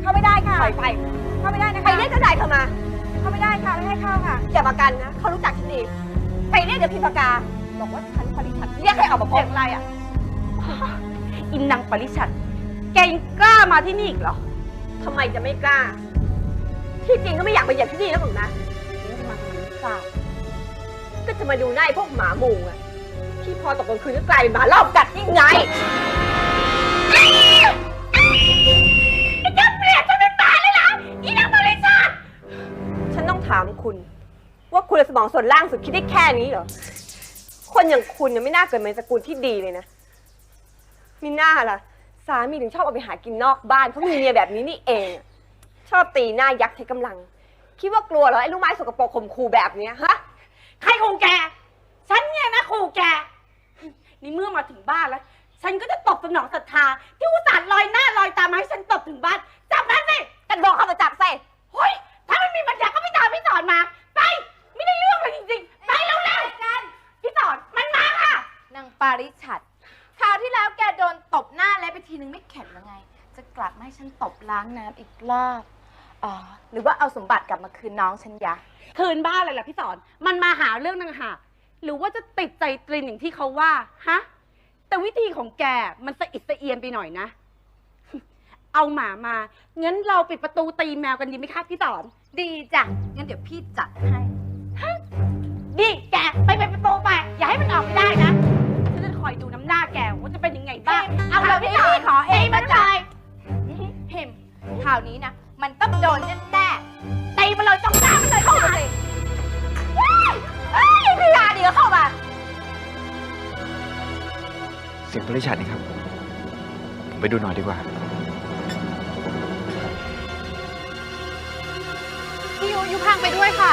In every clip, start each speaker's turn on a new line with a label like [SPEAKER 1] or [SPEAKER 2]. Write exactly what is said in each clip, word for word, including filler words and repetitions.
[SPEAKER 1] เข้าไม่ได้ค่ะ
[SPEAKER 2] ปล่อยไป
[SPEAKER 1] เข้าไม่ได้นะคะ
[SPEAKER 2] ไปเรียกเจ้านายเธอมา
[SPEAKER 1] เข้าไม่ได้ค่ะไม่ให้เข้าค่ะ
[SPEAKER 2] อย่ามากันนะเขารู้จักฉันดีไปเรียกเดี๋ยวพิมพากาบอกว่าฉันปริชัดเรียกให้ออกมาพบอะไรอ่ะ
[SPEAKER 3] อินนางปริชัดแกยังกล้ามาที่นี่อีกเหรอ
[SPEAKER 2] ทำไมจะไม่กล้า ที่จริงก็ไม่อยากมาเหยียบที่นี่แล้วหรอกนะ
[SPEAKER 3] นี่จะมาทำไมไม่ทราบ
[SPEAKER 2] ก็จะมาดูหน้าไอ้พวกหมาหมู่อะที่พอตกกลางคืนก็กลายเป็นหมารอบกัดยังไงจะเปลี่ยนฉันเป็นหมาเลยเหรออีนางบริษัทฉันต้องถามคุณ ว่าคุณสมองส่วนล่างสุดคิดได้แค่นี้เหรอ คนอย่างคุณเนี่ยไม่น่าเกิดมาในสกุลที่ดีเลยนะมีหน้าล่ะ สามีถึงชอบเอาไปหากินนอกบ้านเพราะมีเมียแบบนี้นี่เองอะชอบตีหน้ายักษ์ใช้กำลัง คิดว่ากลัวเหรอไอ้ลูกไม้สกปรกข่มขู่แบบเนี้ยฮะ
[SPEAKER 3] ใครขู่แก ฉันเนี่ยนะขู่แก นี่เมื่อมาถึงบ้านแล้ว ฉันก็จะตบสนองศรัทธาที่อุตส่าห์ลอยหน้าลอยตามาให้ฉันตบถึงบ้านจับมันสิ
[SPEAKER 2] กันบอกเข้ามาจับเซ่
[SPEAKER 3] เฮ้ย ถ้าไม่มีปัญญาก็ไม่ตามพี่สอนมา ไป ไม่ได้เรื่องเลยจริงๆ ไปเร็วๆกัน พี่สอนมันมาค่ะ
[SPEAKER 4] นางปาริชัดคราวที่แล้วแกโดนตบหน้าแล้วไปทีนึงไม่เข็ดแล้วไง จะกลับมาให้ฉันตบล้างน้ำอีกรอบอ๋อหรือว่าเอาสมบัติกลับมาคืนน้องฉันยะ
[SPEAKER 3] คืนบ้านเลยล่ะพี่สอน มันมาหาเรื่องนางหากหรือว่าจะติดใจตรินอย่างที่เขาว่า ฮะ แต่วิธีของแกมันสะอิดสะเอียนไปหน่อยนะ เอาหมามา งั้นเราปิดประตูตีแมวกันดีไหมคะพี่สอน
[SPEAKER 4] ดีจ้ะ งั้นเดี๋ยวพี่จัดให้
[SPEAKER 3] ดีแกไปไปประตูไป อย่าให้มันออกไปได้นะ ฉันจะคอยดูน้ำหน้าแกว่าจะเป็นยังไงบ้าง
[SPEAKER 4] เอาเลยพี่พี่ขอเองมาเลยพิมคราวนี้นะ มันต้องโดนแน่ๆตีมาเลยจ้องหน้ามันเลย
[SPEAKER 2] เข้ามาสิเฮ้ยเฮ้ยพี่ยาดีก็เข้ามา
[SPEAKER 5] เสียงปริชัดนี่ครับ ผมไปดูหน่อยดีกว่า
[SPEAKER 4] พี่ยูยูพังไปด้วยค่ะ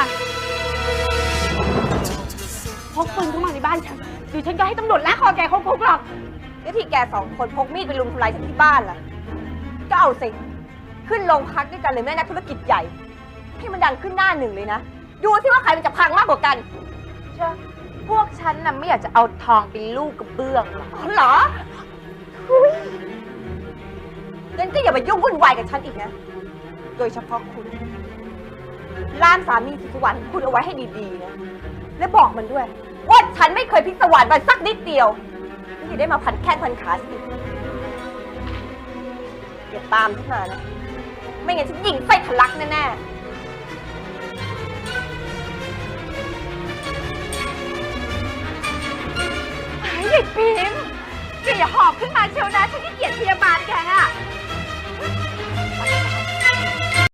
[SPEAKER 3] พกปืนเข้ามาในบ้านฉันเดี๋ยวฉันก็ให้ตำรวจลากคอแกเข้าคุกหรอก
[SPEAKER 2] แล้วที่แกสองคนพกมีดไปรุมทำลายฉันที่บ้านล่ะ ก็เอาสิ ขึ้นโรงพักด้วยกันเลยแม่นักธุรกิจใหญ่ ให้มันดังขึ้นหน้าหนึ่งเลยนะ ดูสิว่าใครมันจะพังมากกว่ากัน
[SPEAKER 4] เชื่อพวกฉันน่ะไม่อยากจะเอาทองเป็นลูกกระเบื้องหรอก
[SPEAKER 2] อ๋อเหรออุ๊ยงั้นก็อย่ามายุ่งวุ่นวายกับฉันอีกนะ โดยเฉพาะคุณล่ามสามีสุขสวรรค์คุณเอาไว้ให้ดีๆนะ และบอกมันด้วย ว่าฉันไม่เคยพิศวาสมันสักนิดเดียวไม่อย่าได้มาพันแค่พันขาสิอย่าตามฉันมานะ ไม่งั้นฉันยิงไส้ทะลักแน่ๆ
[SPEAKER 4] ไอ้เด็กพิมพ์แกอย่าหอบขึ้นมาเชียวนะ